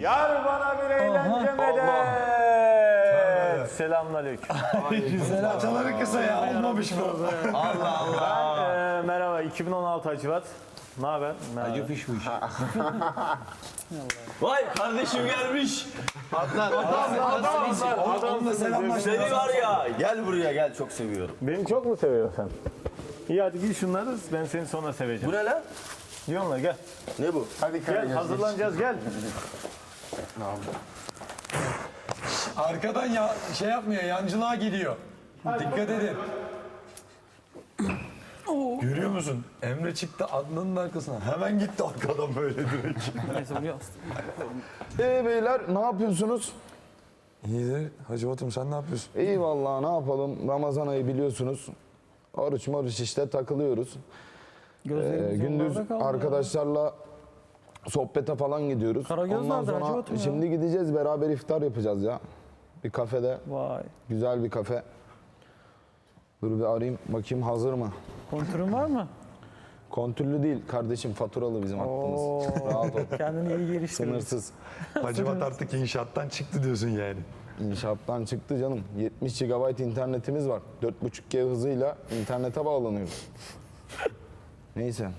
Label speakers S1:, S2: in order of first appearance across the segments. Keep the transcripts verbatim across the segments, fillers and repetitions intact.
S1: Yar bana bir eğlence medet. Selamünaleyküm.
S2: Selam. Çaları kısa ya. Olmamış mı?
S1: Allah Allah. Ben, e, merhaba iki bin on altı Hacivat. Ne haber?
S2: Acı fiş bu iş.
S3: Vay kardeşim gelmiş. Adnan.
S2: Adamla selamlaşma.
S3: Seni var ya. Gel buraya gel çok seviyorum.
S1: Beni çok mu seviyorsun sen? İyi hadi giy şunları, ben seni sonra seveceğim.
S3: Bu ne lan?
S1: Diyorlar gel.
S3: Ne bu?
S1: Hadi gel, hazırlanacağız gel.
S2: Arkadan ya şey yapmıyor, yancılığa geliyor. Dikkat edin. Görüyor musun? Emre çıktı Adnan'ın arkasına. Hemen gitti arkadan böyle direkt.
S4: Ee beyler ne yapıyorsunuz?
S2: İyidir. Hacı Batum sen ne yapıyorsun?
S4: İyi vallahi ne yapalım? Ramazan ayı biliyorsunuz. Oruç moruç işte takılıyoruz. Ee, gündüz arkadaşlarla sohbete falan gidiyoruz.
S5: Karagöz
S4: Ondan
S5: nerede Hacı
S4: sonra
S5: Batum ya?
S4: şimdi gideceğiz beraber iftar yapacağız ya. Bir kafede.
S5: Vay.
S4: Güzel bir kafe. Dur bir arayayım bakayım hazır mı?
S5: Kontürün var mı?
S4: Kontürlü değil kardeşim faturalı bizim hattımız. Rahat ol.
S5: Kendini iyi geliştir.
S4: Sınırsız.
S2: Hacı Bat artık inşaattan çıktı diyorsun yani.
S4: İnşaattan çıktı canım. yetmiş gigabayt internetimiz var. dört buçuk G hızıyla internete bağlanıyoruz. Neyse.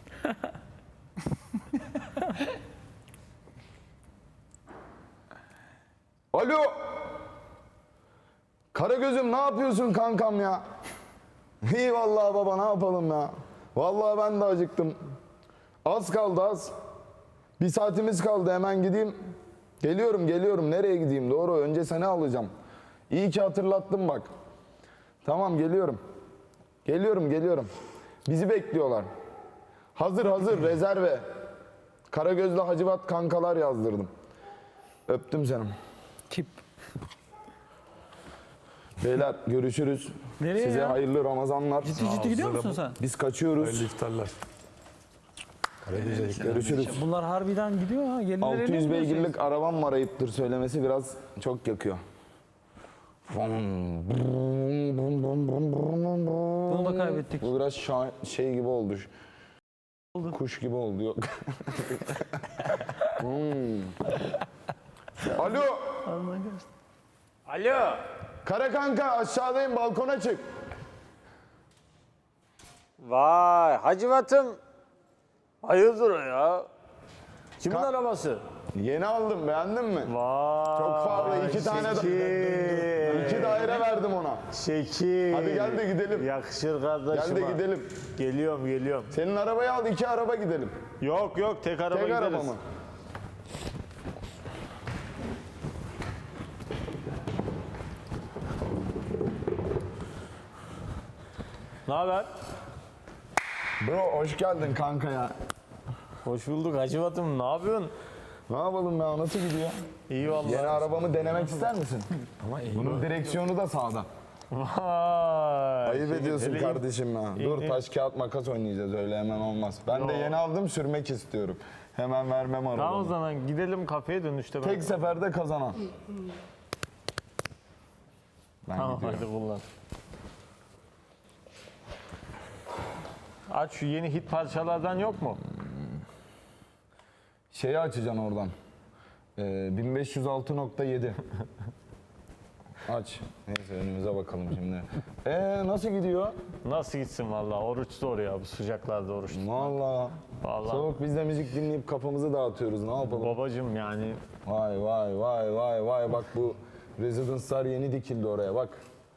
S4: Alo. Karagöz'üm ne yapıyorsun kankam ya? İyi vallahi baba ne yapalım ya? Vallahi ben de acıktım. Az kaldı az. Bir saatimiz kaldı hemen gideyim. Geliyorum geliyorum nereye gideyim doğru önce seni alacağım. İyi ki hatırlattın bak. Tamam geliyorum. Geliyorum geliyorum. Bizi bekliyorlar. Hazır hazır rezerve. Karagözlü Hacivat kankalar yazdırdım. Öptüm seni.
S5: Tip.
S4: Beyler görüşürüz.
S5: Nereye
S4: Size
S5: ya?
S4: hayırlı Ramazanlar.
S5: Ciddi ciddi gidiyor musun sen?
S4: Biz kaçıyoruz.
S2: Hayırlı iftarlar. Karagöz'e
S4: Görüşürüz.
S5: Bunlar harbiden gidiyor ha. Gelirler
S4: altı yüz beygirlik arabam var ayıptır söylemesi biraz çok yakıyor.
S5: Bunu da kaybettik.
S4: Bu biraz şah- şey gibi oldu. Kuş gibi oldu yok. Hmm. Alo.
S1: Alo.
S4: Kara kanka aşağıdayım balkona çık.
S1: Vay Hacivat'ım. Hayırdır o ya? Kimin
S4: Ka-
S1: arabası?
S4: Yeni aldım beğendin mi?
S1: Vay.
S4: Çok pahalı iki tane da-
S1: Şekil.
S4: İki daire verdim ona.
S1: Şekil.
S4: Hadi gel de gidelim.
S1: Yakışır kardeşim.
S4: Gel de gidelim.
S1: Geliyorum geliyorum.
S4: Senin arabayı al iki araba gidelim.
S1: Yok yok tek araba
S4: Tek
S1: gideriz.
S4: araba mı?
S1: Ne haber?
S4: Bro hoş geldin kanka ya.
S1: Hoş bulduk Hacivat'ım. Ne yapıyorsun?
S4: Ne yapalım ya nasıl gidiyor?
S1: İyi vallahi.
S4: Yeni arabamı denemek ister misin? Ama Bunun direksiyonu da sağda.
S1: Vay.
S4: Ayıp
S1: Şey,
S4: ediyorsun
S1: hele-
S4: kardeşim ya. Dur
S1: iyi.
S4: taş kağıt makas oynayacağız öyle hemen olmaz. Ben de yeni aldım sürmek istiyorum. Hemen vermem
S1: Tamam o
S4: arabamı.
S1: zaman gidelim kafeye dönüşte. ben-
S4: Tek seferde kazanan. Ben
S1: Tamam
S4: gidiyorum.
S1: hadi kullan. Aç şu yeni hit parçalardan yok mu?
S4: Şeyi açacaksın oradan. Ee, bin beş yüz altı nokta yedi. Aç. Neyse önümüze bakalım şimdi. Ee nasıl gidiyor?
S1: Nasıl gitsin vallahi oruç zor ya bu sıcaklarda oruç.
S4: Vallahi.
S1: Vallahi.
S4: Soğuk biz de müzik dinleyip kafamızı dağıtıyoruz. Ne yapalım?
S1: Babacım yani
S4: Vay vay vay vay vay bak bu rezidanslar yeni dikildi oraya bak.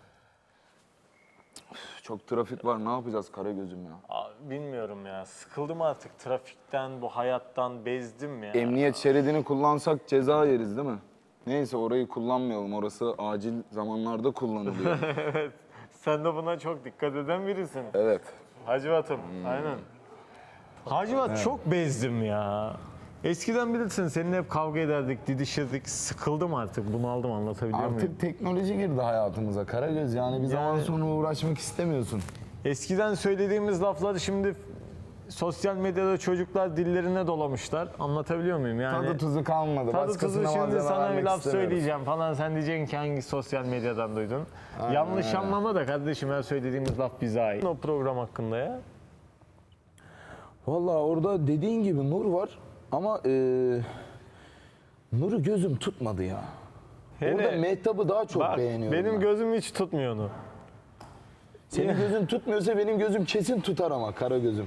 S4: Üf, çok trafik var ne yapacağız Karagöz'üm ya.
S1: abi bilmiyorum ya sıkıldım artık trafikten bu hayattan bezdim ya.
S4: Emniyet şeridini kullansak ceza yeriz değil mi? Neyse orayı kullanmayalım orası acil zamanlarda kullanılıyor.
S1: Sen de buna çok dikkat eden birisin.
S4: Evet.
S1: Hacivat'ım aynen. Hacivat çok bezdim ya. Eskiden bilirsin seninle hep kavga ederdik, didişirdik. Sıkıldım artık, bunaldım anlatabiliyor muyum?
S4: Artık teknoloji girdi hayatımıza Karagöz yani bir zaman
S1: Yani-
S4: sonra uğraşmak istemiyorsun.
S1: Eskiden söylediğimiz lafları şimdi sosyal medyada çocuklar dillerine dolamışlar. Anlatabiliyor muyum yani?
S4: Tadı tuzu kalmadı.
S1: Tadı
S4: Başkasına
S1: tuzu şimdi
S4: malzeme
S1: sana bir
S4: vermek
S1: laf
S4: istemiyoruz.
S1: söyleyeceğim falan sen diyeceksin ki hangi sosyal medyadan duydun. Yanlış
S4: öyle.
S1: anlama da kardeşim her söylediğimiz laf bize ait. O program hakkında ya.
S4: Vallahi orada dediğin gibi nur var ama eee Nur'u gözüm tutmadı ya.
S1: Hele-
S4: Orada Mehtap'ı daha çok
S1: Bak
S4: beğeniyorum
S1: benim
S4: ben.
S1: gözüm hiç tutmuyor onu.
S4: Senin gözün tutmuyorsa benim gözüm kesin tutar ama kara gözüm.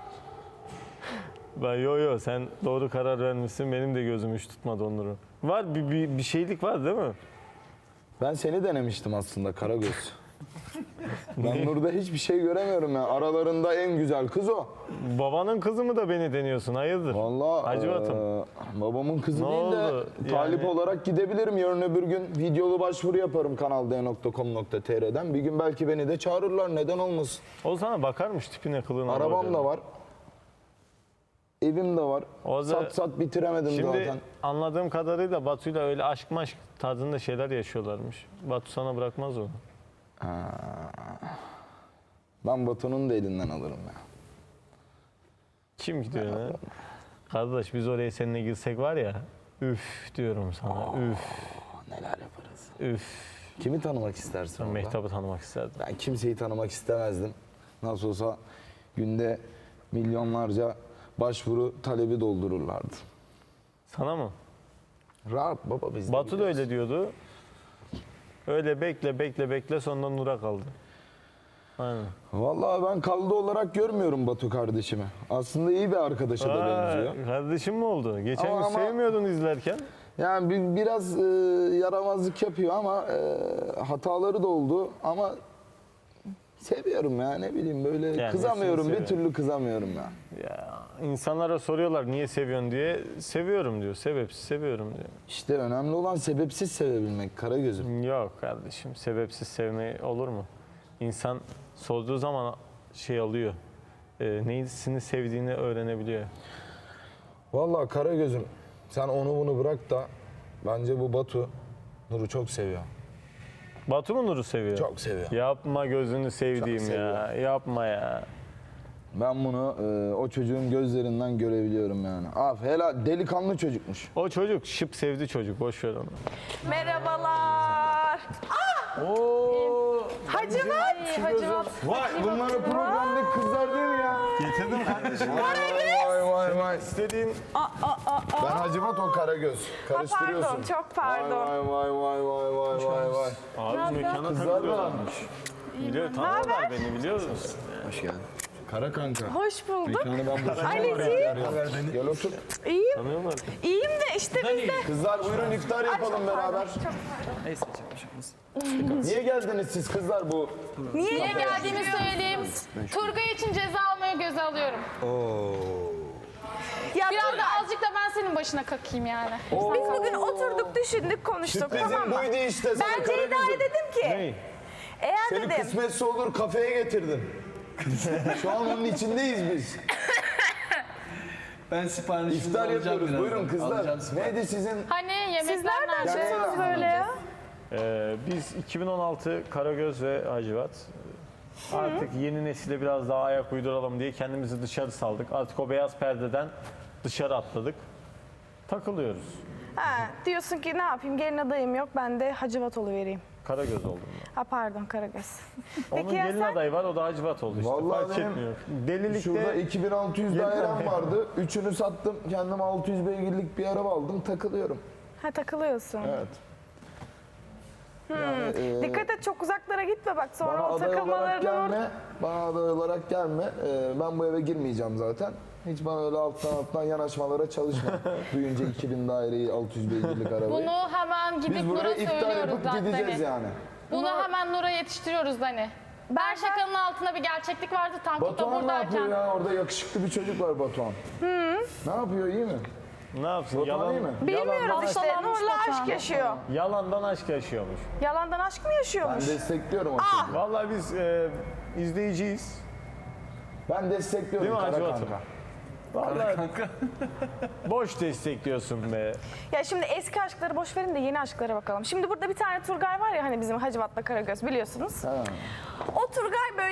S1: Ben yo yo sen doğru karar vermişsin. Benim de gözüm hiç tutmadı onları. Var bir, bir, bir şeylik var değil mi?
S4: Ben seni denemiştim aslında Karagöz. Ben Nur'da hiçbir şey göremiyorum ya. Aralarında en güzel kız o.
S1: Babanın kızı mı da beni deniyorsun? Hayırdır?
S4: Vallahi
S1: Hacivat'ım.
S4: eee, babamın kızı
S1: Ne
S4: değil de
S1: oldu?
S4: talip
S1: Yani-
S4: olarak gidebilirim. Yarın öbür gün videolu başvuru yaparım kanal d nokta com nokta t r'den. Bir gün belki beni de çağırırlar. Neden olmasın?
S1: O sana bakarmış tipine kılığına.
S4: Arabam
S1: böyle.
S4: da var. Evim de var.
S1: O da-
S4: Sat sat bitiremedim
S1: Şimdi
S4: zaten.
S1: anladığım kadarıyla Batu'yla öyle aşk maşk tarzında şeyler yaşıyorlarmış. Batu sana bırakmaz onu.
S4: Ben Batu'nun da elinden alırım ya.
S1: Kim gidiyor ne? Kardeş biz oraya seninle girsek var ya. Üf diyorum sana. Üf.
S4: Neler yaparız.
S1: Üf.
S4: Kimi tanımak istersin orada?
S1: Mehtap'ı tanımak isterdim.
S4: Ben kimseyi tanımak istemezdim. Nasıl olsa günde milyonlarca başvuru talebi doldururlardı.
S1: Sana mı?
S4: Rahat baba biz de
S1: Batu da
S4: gidiyoruz.
S1: öyle diyordu. Öyle bekle bekle bekle sonunda Nur'a kaldı. Aynen.
S4: Vallahi ben kaldı olarak görmüyorum Batu kardeşimi. Aslında iyi bir arkadaşa da benziyor.
S1: Aa, kardeşim mi oldu? Geçen
S4: Ama-
S1: gün
S4: ama-
S1: sevmiyordun izlerken.
S4: Yani bir, biraz e, yaramazlık yapıyor ama e, hataları da oldu ama seviyorum ya ne bileyim böyle
S1: Yani
S4: kızamıyorum
S1: nesini
S4: bir türlü kızamıyorum ya.
S1: Ya insanlara soruyorlar niye seviyorsun diye. Seviyorum diyor. Sebepsiz seviyorum diyor.
S4: İşte önemli olan sebepsiz sevebilmek Karagöz'üm.
S1: Yok kardeşim. Sebepsiz sevme olur mu? İnsan sorduğu zaman şey alıyor. E, neyisini sevdiğini öğrenebiliyor.
S4: Vallahi Karagöz'üm sen onu bunu bırak da bence bu Batu Nur'u çok seviyor.
S1: Batu mu Nur'u seviyor?
S4: Çok seviyor.
S1: Yapma gözünü sevdiğim
S4: Çok
S1: ya. Yapma ya.
S4: Ben bunu e, o çocuğun gözlerinden görebiliyorum yani. Af helal delikanlı çocukmuş.
S1: O çocuk şıp sevdi çocuk. Boş ver onu.
S6: Merhabalar.
S1: Oo.
S6: Hacivat. Hacivat.
S4: Vay bunlar o programdaki kızlar değil mi ya?
S1: Getirdim kardeşim.
S4: Vay vay vay vay.
S1: İstediğin
S4: Ben Hacivat o Karagöz. Karıştırıyorsun.
S6: Pardon, çok pardon.
S4: Vay vay vay vay vay vay vay.
S1: abi mekana takılıyorlarmış. Biliyor, tanıyorlar beni biliyor musun?
S4: Kara kanka.
S6: Hoş bulduk.
S4: Yani ben bu
S6: Anneciğim,
S4: Gel otur.
S6: iyiyim.
S1: Tanıyorlar.
S6: İyiyim de işte biz de.
S4: Kızlar buyurun iftar yapalım beraber.
S5: Neyse çekmiş.
S4: Niye geldiniz siz kızlar bu?
S6: Niye
S7: Niye geldiğimi söyleyeyim. Turgay için ceza almayı göze alıyorum.
S6: Ya
S7: Biraz da azıcık da ben senin başına kakayım yani.
S6: biz bugün oturduk, düşündük, konuştuk, tamam
S4: Sürprizim
S6: mı?
S4: buydu işte sana
S6: Ben Ceyda'ya
S4: Karagöz'üm.
S6: dedim ki,
S1: Hey.
S6: eğer
S4: Seni
S6: dedim,
S4: kısmetse olur kafeye getirdim. Şu an onun içindeyiz biz.
S8: Ben siparişinizi
S4: İftar
S8: alacağım
S4: yapıyoruz.
S8: birazdan.
S4: Buyurun kızlar.
S8: Alacağım sipariş.
S4: Neydi sizin?
S7: Hani yemekler
S6: sizler ne
S7: nerede?
S6: yapıyorsunuz böyle ya?
S1: Ee, biz iki bin on altı Karagöz ve Hacivat artık yeni nesile biraz daha ayak uyduralım diye kendimizi dışarı saldık. Artık o beyaz perdeden dışarı atladık. Takılıyoruz.
S6: Ha, diyorsun ki ne yapayım, gelin adayım yok, ben de Hacivat oluvereyim.
S1: Karagöz oldum ben.
S6: Ha pardon, Karagöz.
S1: Onun
S6: Peki ya
S1: gelin
S6: sen?
S1: adayı var o da Hacivat oldu işte.
S4: Vallahi
S1: Fark
S4: benim
S1: etmiyor. Delilikte
S4: Şurada iki bin altı yüz
S1: Yeter
S4: dairem
S1: ya.
S4: vardı. Üçünü sattım. Kendim altı yüz beygirlik bir araba aldım. Takılıyorum.
S6: Ha takılıyorsun.
S4: Evet. Yani, e,
S6: Dikkat et, çok uzaklara gitme bak, sonra
S4: bana
S6: o
S4: aday olarak
S6: takılmalardan orada.
S4: gelme. Bana aday olarak gelme. Ee, ben bu eve girmeyeceğim zaten. Hiç bana öyle alttan alttan yanaşmalara çalışma. Duyunca iki bin daireyi, altı yüz beygirlik arabayı.
S7: Bunu hemen gidip
S4: Biz
S7: Nur'a
S4: buraya iftar
S7: söylüyoruz
S4: yapıp
S7: zaten.
S4: gideceğiz
S7: Hani.
S4: yani.
S7: Bunu hemen Nur'a yetiştiriyoruz Dani. Ben şakanın altında bir gerçeklik vardı. Tankut da
S4: Batuhan ne yapıyor
S7: buradayken.
S4: ya? Orada yakışıklı bir çocuk var Batuhan. Ne yapıyor? İyi mi?
S1: ne yapsın?
S4: Batuhan
S1: Yalan,
S4: iyi mi?
S6: Bilmiyoruz işte,
S7: Hastalanmış
S6: Nur'la
S7: Batuhan.
S6: aşk yaşıyor.
S1: yalandan aşk yaşıyormuş.
S6: Yalandan aşk mı
S4: Ben
S6: yaşıyormuş?
S4: destekliyorum o
S6: Ah!
S4: çocuğu.
S1: Vallahi biz e, izleyiciyiz.
S4: Ben destekliyorum
S1: Değil mi
S4: kara
S1: Hacı Batu?
S4: kanka.
S1: Vallahi boş destekliyorsun be.
S6: Ya şimdi eski aşkları boş verin de yeni aşklara bakalım. Şimdi burada bir tane Turgay var ya, hani bizim Hacivat'la Karagöz biliyorsunuz. O Turgay böyle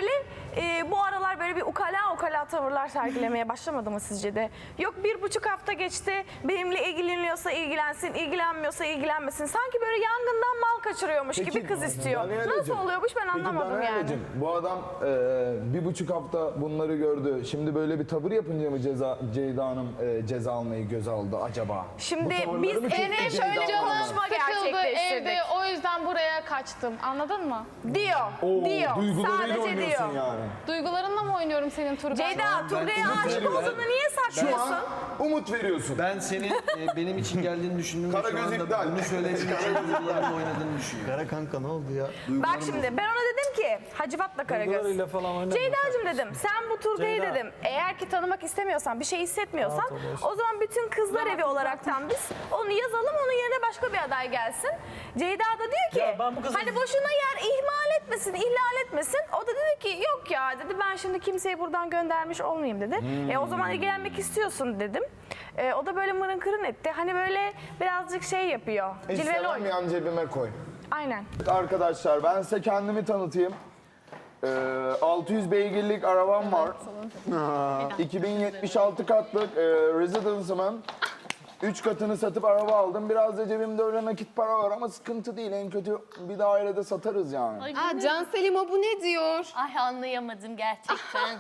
S6: e, bu aralar böyle bir ukala ukala tavırlar sergilemeye başlamadı mı sizce de? Yok bir buçuk hafta geçti, benimle ilgileniyorsa ilgilensin, ilgilenmiyorsa ilgilenmesin. Sanki böyle yangından mal kaçırıyormuş gibi kız istiyor.
S4: Daniel'cim,
S6: Nasıl oluyormuş ben anlamadım
S4: Peki
S6: yani.
S4: Daniel'cim, bu adam e, bir buçuk hafta bunları gördü. Şimdi böyle bir tavır yapınca mı ceza, Ceyda Hanım e, ceza almayı göze aldı acaba?
S6: Şimdi
S4: Bu tavırları
S6: biz
S4: mı çekti
S6: Enes
S4: Ceyda
S6: şöyle bir
S4: Hanım?
S6: konuşma
S7: Sıkıldı
S6: gerçekleştirdik.
S7: evde, o yüzden buraya kaçtım. Anladın mı?
S6: Diyor,
S4: Oo,
S6: diyor.
S4: duygularıyla
S6: Sadece
S4: oynuyorsun
S6: diyor.
S4: yani.
S7: Duygularınla mı oynuyorum senin Turgay?
S6: Ceyda, Turgay'a aşık olduğunu niye
S4: Şu
S6: saklıyorsun?
S4: an umut veriyorsun.
S8: Ben senin e, benim için geldiğini düşündüm ve şu
S4: Karagöz
S8: anda
S4: iptal.
S8: bunu söylediğin için duygularımla oynadığını düşünüyorum.
S3: Kara kanka ne oldu ya?
S6: Bak şimdi ben ona dedim ki Hacivat'la Karagöz.
S1: Duygularıyla falan oynama.
S6: Ceyda'cığım dedim sen bu Turgay'ı
S1: Ceyda.
S6: dedim eğer ki tanımak istemiyorsan bir şey hissetmiyorsan o zaman bütün kızlar evi olaraktan biz onu yazalım onun yerine başka bir aday gelsin. Ceyda da diyor ki
S1: Ya ben bu kızın-
S6: hani boşuna yer ihmal etmesin ihlal etmesin. O da dedi ki yok ya dedi ben şimdi kimseyi buradan göndermiş olmayayım dedi. E o zaman ilgilenmek istiyorsun dedim. E, o da böyle mırın kırın etti. Hani böyle birazcık şey yapıyor. Cilveli
S4: İstemem
S6: oynuyor.
S4: yan cebime koy.
S6: Aynen.
S4: Arkadaşlar ben size kendimi tanıtayım. Ee, altı yüz beygirlik arabam var. iki bin yetmiş altı katlık e, residence'ımın üç katını satıp araba aldım. Biraz da cebimde öyle nakit para var ama sıkıntı değil. En kötü bir dairede satarız yani.
S9: Aa, Can Selim o bu ne diyor?
S10: Ay anlayamadım gerçekten.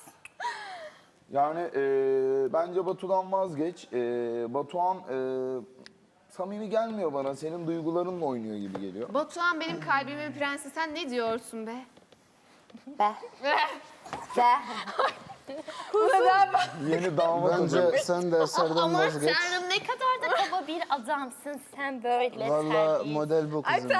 S4: Yani e, bence Batu'dan vazgeç. E, Batuhan e, samimi gelmiyor bana. Senin duygularınla oynuyor gibi geliyor.
S9: Batuhan benim kalbimin prensi. Sen ne diyorsun be?
S10: Be. Be.
S4: Yeni damat
S11: Bence
S4: olacak.
S11: sen de eserden
S10: Ama
S11: vazgeç.
S10: Tanrım ne kadar da kaba bir adamsın sen böyle.
S11: Valla
S10: terbiyesiz.
S11: model bu kızım.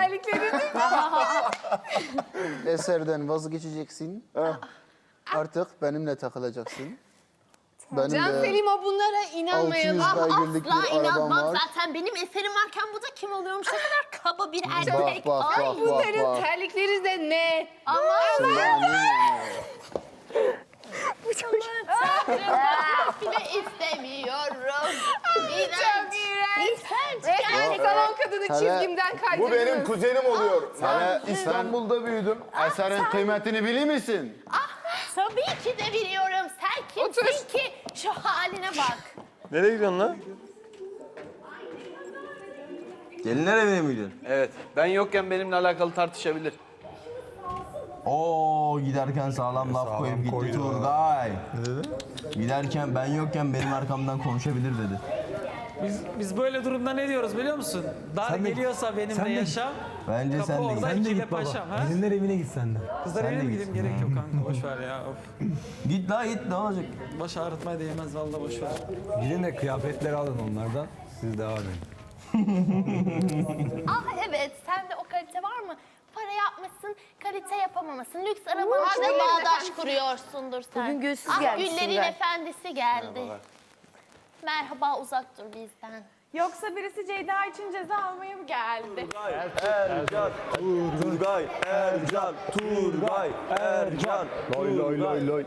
S11: Eserden vazgeçeceksin. Artık benimle takılacaksın. Benim
S9: Can
S11: de
S9: Selim o bunlara
S11: altı
S9: inanmayalım.
S11: yüz beygirlik
S10: Asla
S11: bir arabam
S10: inanmam
S11: var.
S10: zaten benim eserim varken bu da kim oluyormuş ne kadar kaba bir erkek.
S11: Bak bak
S10: Ay,
S11: bak bak
S9: Bunların
S11: bak.
S9: terlikleri de ne?
S10: Ama bile istemiyorum. İğrenç. İğrenç.
S9: Resmen salon kadını
S11: Hele-
S9: çizgimden kaydırdınız.
S4: Bu benim kuzenim oluyor.
S11: Hele
S4: Ben İstanbul'da büyüdüm.
S11: Eserin kıymetini bilir misin?
S10: Tabii ki de biliyorum. Sen kimsin
S9: Otur.
S10: ki? Şu haline bak.
S1: Nereye gidiyorsun lan?
S3: Gelinler evine mi gidiyorsun?
S8: Evet. Ben yokken benimle alakalı tartışabilir.
S3: Oo giderken sağlam laf koyup gitti Turgay. Giderken ben yokken benim arkamdan konuşabilir dedi.
S5: Biz, biz böyle durumda ne diyoruz biliyor musun? Dar geliyorsa benimle yaşa.
S3: Bence
S5: Kapı
S3: sen de
S5: orada
S3: git.
S5: ikiyle paşam. Ha?
S2: Gelinler evine git sen de.
S5: Kızlar evine mi gideyim? Gerek yok kanka boş ver ya. Of.
S3: Git la git ne olacak?
S5: Baş ağrıtmaya değmez vallahi boş ver.
S2: Gidin de kıyafetleri alın onlardan. Siz devam edin.
S10: Ah evet, sende o kalite var mı? Para yapmışsın, kalite yapamamasın. Lüks arabanla bağdaş kuruyorsundur sen.
S6: Bugün gülsüz
S10: ah,
S6: gelmişsin
S10: Güllerin
S6: be.
S10: efendisi geldi. Merhaba, uzak dur bizden.
S6: Yoksa birisi Ceyda için ceza almaya mı geldi?
S3: Ercan, Turgay, Ercan, Turgay, Ercan,
S4: Loy loy loy loy.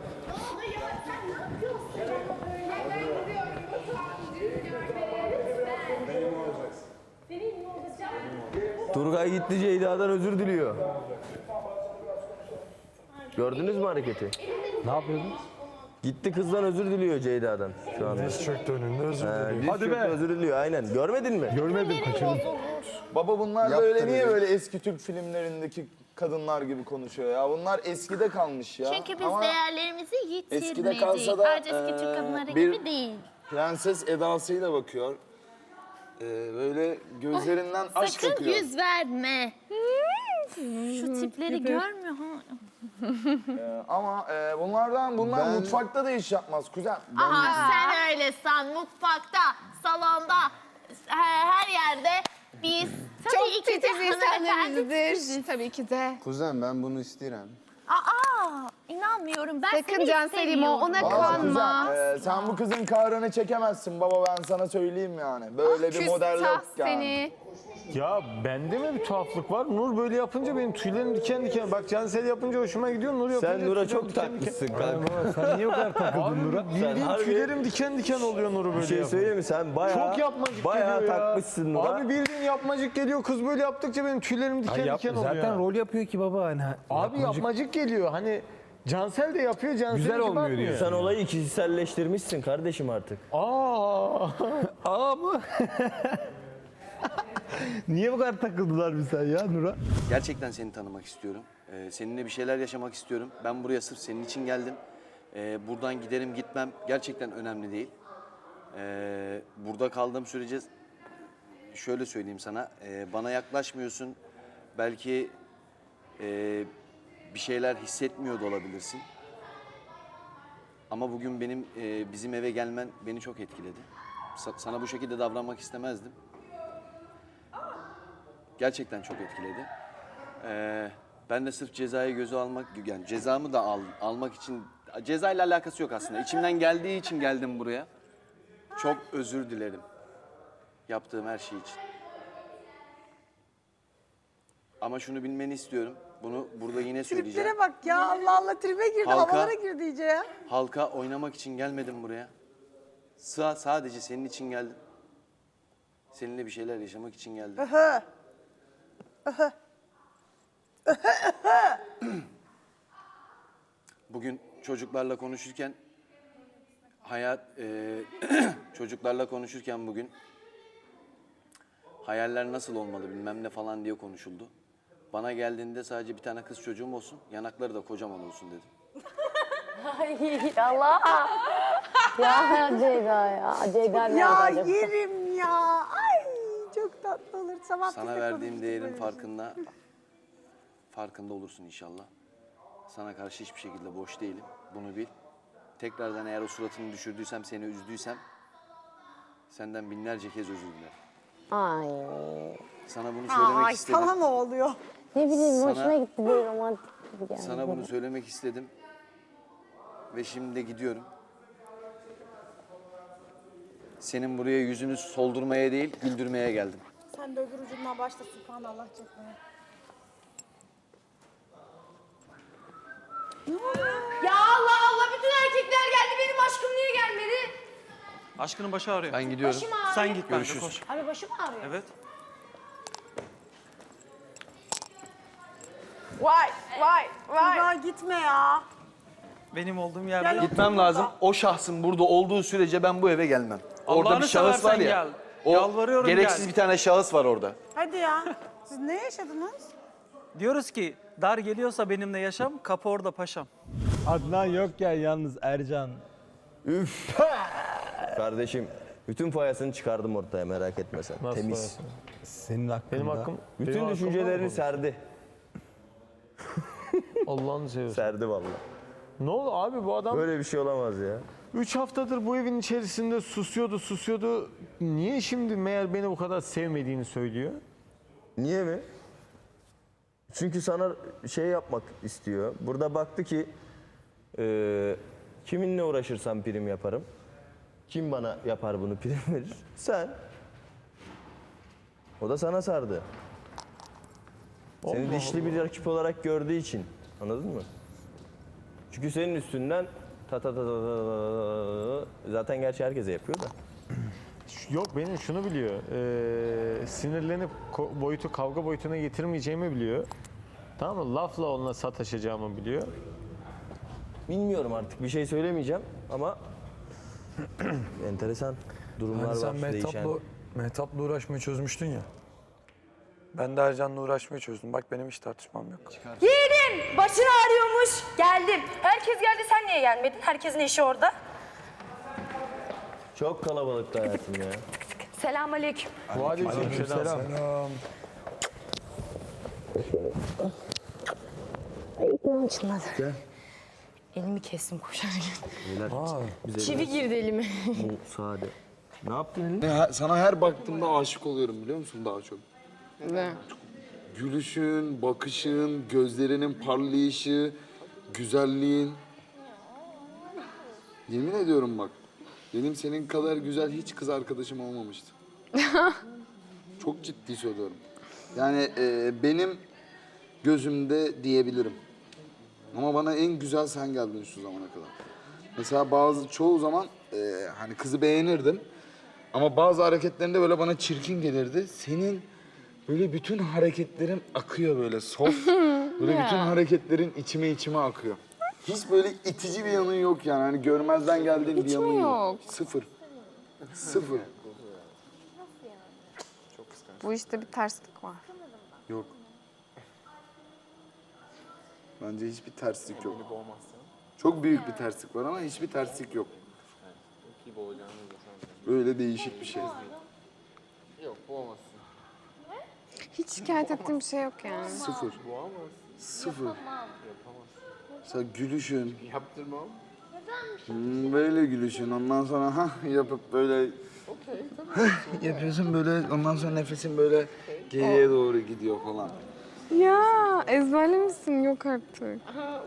S3: Turgay gitti Ceyda'dan özür diliyor. Gördünüz mü hareketi?
S2: Ne yapıyordun?
S3: Gitti kızdan özür diliyor Ceyda'dan şu anda.
S2: Diz çöktü önünde özür
S3: Hadi Hadi be. Özür diliyor aynen. Görmedin mi?
S2: Görmedim kaçırdım.
S4: Baba bunlar
S11: Yaptı
S4: böyle niye
S11: dedi.
S4: böyle eski Türk filmlerindeki kadınlar gibi konuşuyor ya? Bunlar eskide kalmış ya.
S10: Çünkü biz
S4: Ama
S10: değerlerimizi
S4: eskide
S10: yitirmedik.
S4: kalsa da,
S10: Sadece eski
S4: eee,
S10: Türk kadınları
S4: bir-
S10: gibi değil.
S4: prenses edasıyla bakıyor. Ee, böyle gözlerinden aşk
S10: Sakın
S4: akıyor.
S10: yüz verme. Şu tipleri görmüyor ha.
S4: Ee, ama e, bunlardan bunlar
S11: Ben-
S4: mutfakta da iş yapmaz kuzen.
S10: Aha sen öyle san. Mutfakta, salonda, her, her yerde biz tabii
S9: Çok
S10: ki de
S9: titiz
S10: hanımefendi
S9: insanlarımızdır. Tabii ki de.
S11: Kuzen ben bunu isterim.
S10: Aa, inanmıyorum. Ben
S9: Sakın
S10: seni
S9: Can Selim o ona
S10: istemiyorum.
S4: Vallahi
S9: kanma.
S4: kuzen, e, sen bu kızın kahrını çekemezsin baba ben sana söyleyeyim yani. Böyle bir model
S9: Küstah
S4: yok yani.
S9: seni.
S1: Ya bende mi bir tuhaflık var? Nur böyle yapınca benim tüylerim diken diken. Bak Cansel yapınca hoşuma gidiyor. Nur yapınca
S3: Sen Nur'a
S1: tüylerim
S3: çok
S1: diken diken.
S3: takmışsın kanka.
S2: Sen niye o kadar takıldın Nur'a?
S1: Bildiğin
S3: harbi-
S1: tüylerim diken diken oluyor Nur'u böyle
S3: Bir şey
S1: yapınca.
S3: söyleyeyim mi? Sen bayağı
S1: Çok yapmacık
S3: bayağı
S1: geliyor ya.
S3: takmışsın Nur'a.
S1: Abi bildiğin yapmacık geliyor. Kız böyle yaptıkça benim tüylerim diken
S2: Ay yap-
S1: diken oluyor.
S2: zaten
S1: ya.
S2: rol yapıyor ki baba. Hani
S1: Abi
S2: yapmacık-
S1: yapmacık geliyor. Hani Cansel de yapıyor, Cansel
S2: Güzel
S1: hiç
S2: olmuyor
S1: bakmıyor.
S2: diyor.
S3: Sen olayı kişiselleştirmişsin kardeşim artık.
S1: Aa.
S2: Aa mı? Niye bu kadar takıldılar bir sen ya Nur'a?
S8: Gerçekten seni tanımak istiyorum. Ee, seninle bir şeyler yaşamak istiyorum. Ben buraya sırf senin için geldim. Ee, buradan giderim gitmem gerçekten önemli değil. Ee, burada kaldığım sürece şöyle söyleyeyim sana. e, bana yaklaşmıyorsun. Belki e, bir şeyler hissetmiyor da olabilirsin. Ama bugün benim e, bizim eve gelmen beni çok etkiledi. Sa- sana bu şekilde davranmak istemezdim. Gerçekten çok etkiledi. Ee, ben de sırf cezayı göze almak, yani cezamı da al, almak için, cezayla alakası yok aslında. İçimden geldiği için geldim buraya. Çok özür dilerim yaptığım her şey için. Ama şunu bilmeni istiyorum. Bunu burada yine söyleyeceğim.
S12: Triplere bak ya, Allah Allah, tribe girdi,
S8: Halka-
S12: havalara girdi iyice ya.
S8: Halka oynamak için gelmedim buraya. Sa sadece senin için geldim. Seninle bir şeyler yaşamak için geldim. Bugün çocuklarla konuşurken hayat e, çocuklarla konuşurken bugün hayaller nasıl olmalı bilmem ne falan diye konuşuldu. Bana geldiğinde sadece bir tane kız çocuğum olsun, yanakları da kocaman olsun dedim.
S10: Ay Allah. Ya Ceyda ya. Ceyda nerede
S12: Ya
S10: acaba?
S12: yerim ya. Ay çok tatlı olur. Sabah biz
S8: Sana
S12: de
S8: verdiğim
S12: konuştuk
S8: değerin
S12: böyle.
S8: farkında farkında olursun inşallah. Sana karşı hiçbir şekilde boş değilim. Bunu bil. Tekrardan eğer o suratını düşürdüysem, seni üzdüysem senden binlerce kez özür dilerim.
S10: Ay.
S8: Sana bunu söylemek
S12: Ay
S8: istedim.
S12: sana ne oluyor?
S10: Ne bileyim
S8: Sana-
S10: hoşuma gitti bir romantik gibi geldi.
S8: Sana bunu söylemek istedim. Ve şimdi de gidiyorum. Senin buraya yüzünü soldurmaya değil, güldürmeye geldim.
S12: Sen de öbür ucundan başla, subhanallah çekmeye.
S10: Ya Allah Allah, bütün erkekler geldi, benim aşkım niye gelmedi?
S5: Aşkının başı ağrıyor.
S8: Ben gidiyorum.
S10: Başım ağrıyor.
S5: Sen git bence
S8: Görüşürüz.
S5: koş.
S10: Abi başım ağrıyor.
S5: Evet.
S6: Vay vay vay.
S12: Ya gitme ya.
S5: Benim olduğum yerde.
S8: Gitmem lazım. O şahsın burada olduğu sürece ben bu eve gelmem. Orada
S5: Allah'ını
S8: bir şahıs var
S5: seversen
S8: ya.
S5: gel.
S8: O
S5: Yalvarıyorum
S8: gereksiz
S5: gel.
S8: bir tane şahıs var orada.
S12: Hadi ya. Siz ne yaşadınız?
S5: Diyoruz ki dar geliyorsa benimle yaşam, kapı orada paşam.
S2: Adnan yokken yalnız Ercan.
S3: Üf. Kardeşim bütün fayasını çıkardım ortaya, merak etme sen.
S1: Nasıl
S3: Temiz.
S1: parası?
S2: Senin hakkında.
S1: Benim hakkım...
S3: Bütün
S1: benim hakkım var
S3: düşüncelerini
S1: mı?
S3: serdi.
S1: Allah'ını seversen.
S3: Serdi vallahi.
S1: Ne oldu abi, bu adam
S3: Böyle bir şey olamaz ya.
S1: üç haftadır bu evin içerisinde susuyordu susuyordu. Niye şimdi meğer beni bu kadar sevmediğini söylüyor?
S3: Niye mi? Çünkü sana şey yapmak istiyor. Burada baktı ki e, kiminle uğraşırsam prim yaparım. Kim bana yapar bunu, prim verir? Sen. O da sana sardı. Seni
S1: Allah
S3: dişli bir rakip olarak gördüğü için. Anladın mı? Çünkü senin üstünden ta ta ta ta ta ta ta- zaten gerçi herkese yapıyor da.
S1: Yok, benim şunu biliyor. Ee, sinirlenip ko- boyutu kavga boyutuna getirmeyeceğimi biliyor. Tamam mı? Lafla onunla sataşacağımı biliyor.
S3: Bilmiyorum artık, bir şey söylemeyeceğim ama enteresan durumlar
S2: Hani sen
S3: var değişen.
S2: Mehtap'la, Mehtap'la uğraşmayı çözmüştün ya. Ben de Ercan'la uğraşmayı çözdüm. Bak benim hiç tartışmam yok.
S6: Yiğidim başın ağrıyormuş. Geldim. Herkes geldi, sen niye gelmedin? Herkesin eşi orada.
S3: Çok kalabalıktı hayatım ya.
S6: Selamünaleyküm.
S1: Aleykümselam.
S2: Selam.
S10: Ayıklarım çınladı. Elimi kestim koşarken. Çivi girdi elime.
S3: Bu sade. Ne yaptın elini?
S11: Sana her baktığımda aşık oluyorum biliyor musun daha çok?
S10: Ne?
S11: Gülüşün, bakışın, gözlerinin parlayışı, güzelliğin. Yemin ediyorum bak, benim senin kadar güzel hiç kız arkadaşım olmamıştı. Çok ciddi söylüyorum. Yani e, benim gözümde diyebilirim. Ama bana en güzel sen geldin şu zamana kadar. Mesela bazı çoğu zaman e, hani kızı beğenirdim. Ama bazı hareketlerinde böyle bana çirkin gelirdi. Senin böyle bütün hareketlerin akıyor böyle soft. Böyle bütün hareketlerin içime içime akıyor. Hiç böyle itici bir yanın yok yani. Hani görmezden geldiğin bir
S9: Hiç
S11: yanın
S9: mi
S11: yok.
S9: yok?
S11: Sıfır. Sıfır.
S9: Bu işte bir terslik var.
S11: Yok. Bence hiçbir terslik yok. Çok büyük bir terslik var ama hiçbir terslik yok. Böyle değişik bir şey.
S9: Hiç şikayet ettiğim bir şey yok yani.
S11: Sıfır. Sıfır. Mesela gülüşün. Yaptırmam. Hmm, böyle gülüşün. Ondan sonra ha yapıp böyle yapıyorsun böyle. Ondan sonra nefesin böyle geriye doğru gidiyor falan.
S9: Ya ezberlemişsin yok artık.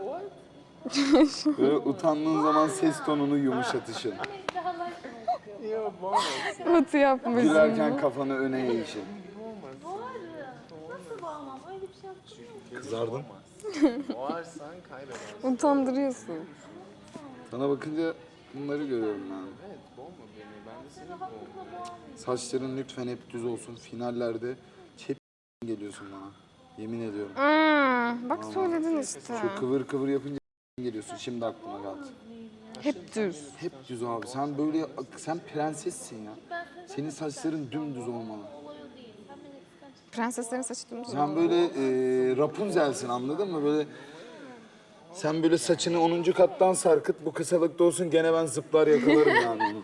S11: Böyle utandığın zaman ses tonunu yumuşatışın.
S9: Batı yapmışsın.
S11: Gülerken kafanı öne eğişin. Kızardın.
S9: Utandırıyorsun.
S11: Sana bakınca bunları görüyorum ben. Saçların lütfen hep düz olsun. Finallerde hep geliyorsun bana. Yemin ediyorum.
S9: Hmm, bak söyledin işte.
S11: Şu kıvır kıvır yapınca geliyorsun. Şimdi aklıma geldi.
S9: Hep düz.
S11: Hep düz abi. Sen böyle, sen prensessin ya. Senin saçların dümdüz olmalı.
S9: Prenseslerin saçı dümdüz
S11: Sen
S9: olmalı.
S11: böyle e, Rapunzel'sin, anladın mı? Böyle sen böyle saçını onuncu kattan sarkıt, bu kısalıkta olsun, gene ben zıplar yakalarım yani onu.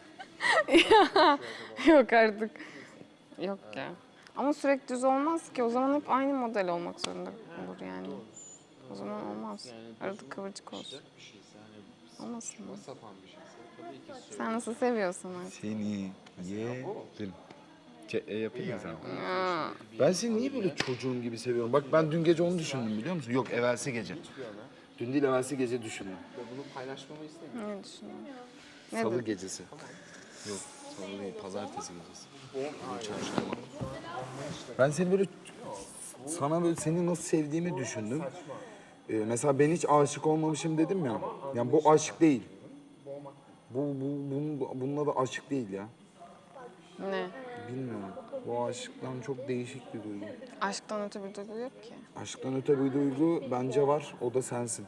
S9: Yok artık. Yok ya. Ama sürekli düz olmaz ki. O zaman hep aynı model olmak zorunda olur yani. O zaman olmaz. Arada kıvırcık olsun. Olmasın mı? Sen nasıl seviyorsun artık?
S11: Seni yerim. E yapayım mı sen? Ben seni niye böyle çocuğum gibi seviyorum? Bak ben dün gece onu düşündüm, biliyor musun? Yok, evvelsi gece. Dün değil, evvelsi gece düşündüm.
S9: Ne düşünüyorsun? Ne
S11: Salı
S9: dedin?
S11: gecesi. Yok, salı değil, pazartesi gecesi. Çarşamba. Ben seni böyle, sana böyle seni nasıl sevdiğimi düşündüm. Ee, mesela ben hiç aşık olmamışım dedim ya. Yani bu aşk değil. Bu, bu, bunun, bununla da aşk değil ya.
S9: Ne?
S11: Bilmiyorum. Bu aşktan çok değişik bir duygu.
S9: Aşktan öte bir duygu yok ki.
S11: Aşktan öte bir duygu bence var, o da sensin.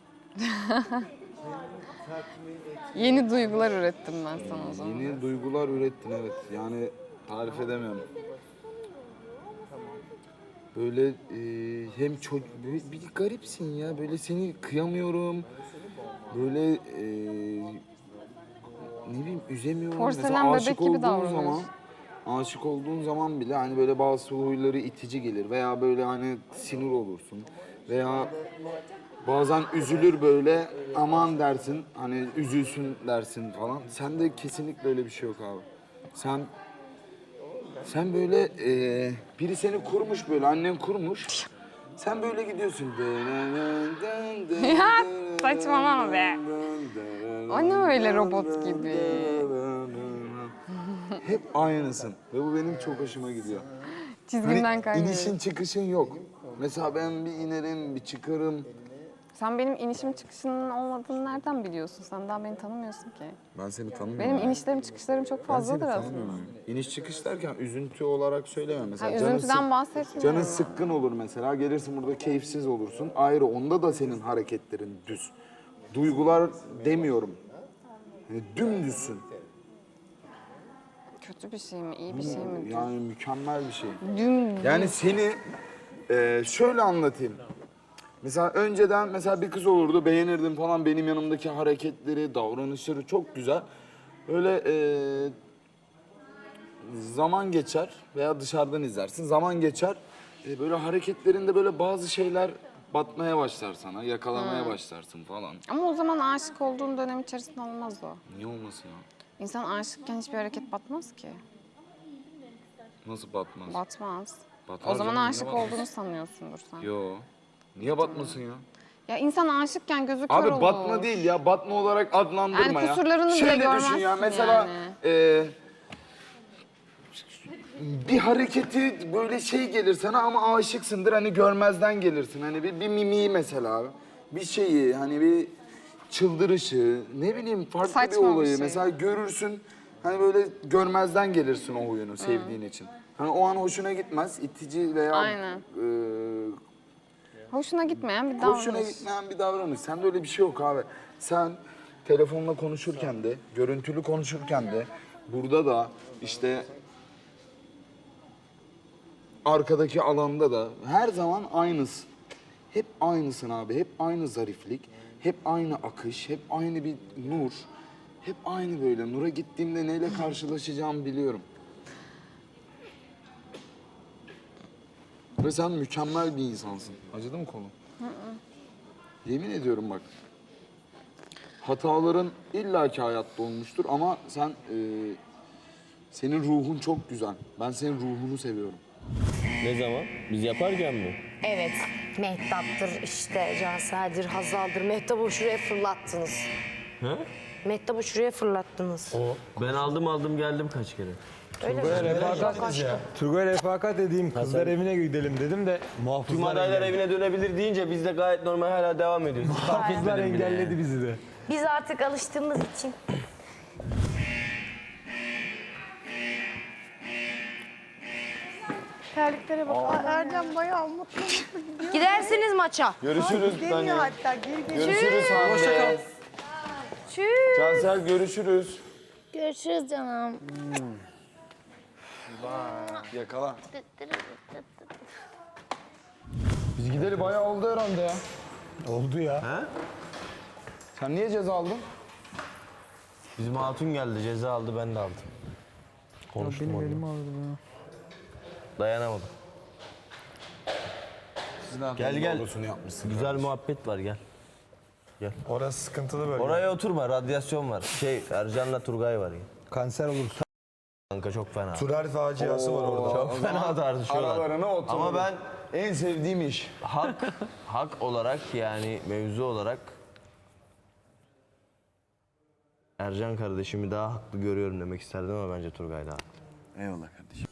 S9: Yeni duygular ürettim ben sana o zaman.
S11: Yeni duygular ürettin, evet. Yani tarif edemiyorum. Böyle e, hem çok böyle bir garipsin ya. Böyle seni kıyamıyorum. Böyle e, ne bileyim üzemiyorum.
S9: Porselen
S11: Mesela
S9: bebek
S11: aşık
S9: gibi
S11: olduğun
S9: davranıyorsun.
S11: zaman aşık olduğun zaman bile hani böyle bazı huyları itici gelir veya böyle hani sinir olursun veya bazen üzülür böyle, aman dersin, hani üzülsün dersin falan. Sende kesinlikle öyle bir şey yok abi. Sen sen böyle e, biri seni kurmuş, böyle annen kurmuş. Sen böyle gidiyorsun.
S9: Ya saçmalama be. O ne öyle robot gibi?
S11: Hep aynısın ve bu benim çok hoşuma gidiyor.
S9: Çizgimden
S11: Hani
S9: kaymıyorum.
S11: inişin çıkışın yok. Mesela ben bir inerim, bir çıkarım.
S9: Sen benim inişim çıkışının olmadığını nereden biliyorsun? Sen daha beni tanımıyorsun ki.
S11: Ben seni tanımıyorum.
S9: Benim inişlerim çıkışlarım çok
S11: Ben seni
S9: fazladır aslında.
S11: tanımıyorum. İniş çıkış derken üzüntü olarak söyleme. Mesela
S9: Ha,
S11: canın
S9: üzüntüden
S11: sık-
S9: bahsetmiyorum.
S11: Canın sıkkın olur mesela. Gelirsin burada keyifsiz olursun. Ayrı, onda da senin hareketlerin düz. Duygular demiyorum. Yani dümdüzsün.
S9: Kötü bir şey mi, iyi bir şey mi?
S11: Yani mükemmel bir şey.
S9: Dümdüz.
S11: Yani seni e, şöyle anlatayım. Mesela önceden mesela bir kız olurdu, beğenirdim falan, benim yanımdaki hareketleri, davranışları çok güzel. Böyle e, zaman geçer veya dışarıdan izlersin, zaman geçer. E, böyle hareketlerinde böyle bazı şeyler batmaya başlar sana, yakalamaya başlarsın falan.
S9: Ama o zaman aşık olduğun dönem içerisinde olmaz o.
S11: Niye olmasın ya?
S9: İnsan aşıkken hiçbir hareket batmaz ki.
S11: Nasıl batmaz?
S9: Batmaz.
S11: Batar
S9: O zaman
S11: canım, niye
S9: aşık
S11: batmasın?
S9: olduğunu sanıyorsundur sen.
S11: Yo. Niye batmasın ya?
S9: Ya insan aşıkken gözü kör
S11: Abi
S9: olur.
S11: batma değil ya, batma olarak adlandırma
S9: Yani
S11: ya.
S9: kusurlarını bile
S11: Şöyle düşün
S9: görmezsin
S11: ya, mesela
S9: yani.
S11: e, bir hareketi böyle şey gelir sana ama aşıksındır, hani görmezden gelirsin. Hani bir, bir mimiği mesela, bir şeyi, hani bir çıldırışı, ne bileyim farklı
S9: Saçma
S11: bir
S9: bir
S11: olayı.
S9: şey.
S11: Mesela görürsün, hani böyle görmezden gelirsin o oyunu sevdiğin için. Hani o an hoşuna gitmez, itici veya
S9: Aynen.
S11: e,
S9: Hoşuna gitmeyen bir davranış.
S11: Hoşuna gitmeyen bir davranış. Sende öyle bir şey yok abi. Sen telefonla konuşurken de, görüntülü konuşurken de, burada da işte arkadaki alanda da her zaman aynısın. Hep aynısın abi. Hep aynı zariflik. Hep aynı akış. Hep aynı bir nur. Hep aynı böyle. Nur'a gittiğimde neyle karşılaşacağımı biliyorum. Ve sen mükemmel bir insansın. Acıdı mı kolun? Yemin ediyorum bak. Hataların illaki hayatta olmuştur ama sen e, senin ruhun çok güzel. Ben senin ruhunu seviyorum.
S3: Ne zaman? Biz yaparken mi?
S12: Evet. Mehtap'tır işte, Cansel'dir, Hazal'dır. Mehtap'ı şuraya fırlattınız.
S3: He?
S12: Mehtap'ı şuraya fırlattınız.
S3: Ben aldım aldım geldim kaç kere.
S12: Öyle mi?
S2: Refakat ya. Turgay refakat edeyim, kızlar evine gidelim dedim de
S3: Tüm
S2: muhafızlar
S3: adaylar
S2: engelledi.
S3: evine dönebilir deyince biz de gayet normal hala devam ediyoruz.
S2: Muhafızlar engelledi bizi de.
S12: Biz artık alıştığımız için.
S6: Terliklere bak. Aa, Erdem bayağı mutlu mutlu gidiyor.
S12: Gidersiniz maça.
S3: Görüşürüz
S6: Demiyor hatta geri geliyor.
S3: Görüşürüz Hande.
S6: Çüş.
S3: Cansel görüşürüz.
S10: Görüşürüz canım.
S11: Yakala.
S4: Biz gideli bayağı oldu herhalde ya.
S2: Oldu ya.
S3: He?
S4: Sen niye ceza aldın?
S3: Bizim hatun geldi ceza aldı ben de aldım. Konuştum benim elimi aldı ya. Dayanamadım. Gel gel. Güzel muhabbet var gel.
S2: Orası sıkıntılı böyle.
S3: Oraya oturma radyasyon var. Şey Ercan'la Turgay var ya.
S2: Kanser olursa.
S3: Kanka çok fena.
S2: Turar faciası var orada.
S3: Çok fena tartışıyorlar.
S4: Aralarına oturun.
S3: Ama ben
S4: En sevdiğim iş.
S3: hak hak olarak yani mevzu olarak Ercan kardeşimi daha haklı görüyorum demek isterdim ama bence Turgay daha haklı.
S8: Eyvallah kardeşim.